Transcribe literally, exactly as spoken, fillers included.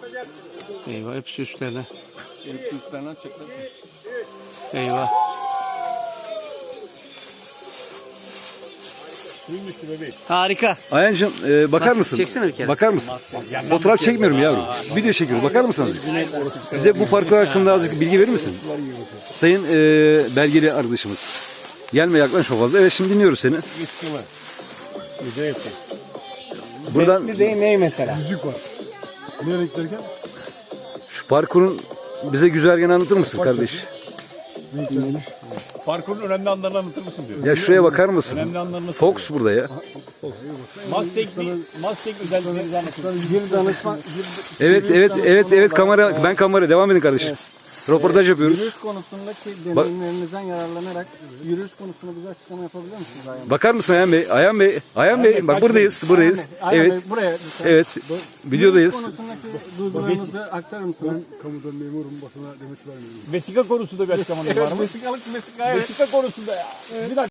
Eyvah hepsi üstlerine. Hepsi üstlerine atacaklar. Eyvah. Harika. Ayancığım e, bakar Nasıl? mısın? Çeksene bir kere. Bakar mısın? Fotoğraf çekmiyorum yavrum. Video çekiyoruz. Bakar mısınız? Bize bu parkur hakkında azıcık bilgi verir misin? Sayın e, belgeli arkadaşımız. Gelme yaklaşma fazla. Evet şimdi dinliyoruz seni. Buradan Bir de ne mesela? Müzik var. Nereye giderken? şu parkurun bize güzergahını anlatır mısın kardeş? Parkurun önemli anlarını anlatır mısın diyor. Ya şuraya bakar mısın? Önemli anlarını Fox burada ya. Mustang, Mustang özelliklerini anlatır. Bir danışman, Evet evet evet evet kamera ben kamera devam edin kardeşim. Röportaj yapıyoruz. yürüyüş konusundaki deneyimlerinizden yararlanarak yürüyüş konusunda bize açıklama yapabilir misiniz Ayhan Bey? Bakar mısın Ayhan Bey? Ayhan Bey, Ayhan Bey bak buradayız, buradayız. Ayhan Evet. Bey, buraya lütfen. Evet. Videodayız. Yürüyüş konusundaki duygularınızı aktarır mısınız? Kamudan memurum, basına demet vermiyorum. Vesika konusunda bir açıklamanız var mı? Vesikalık vesika evet. Vesika konusunda ya. Bir dakika.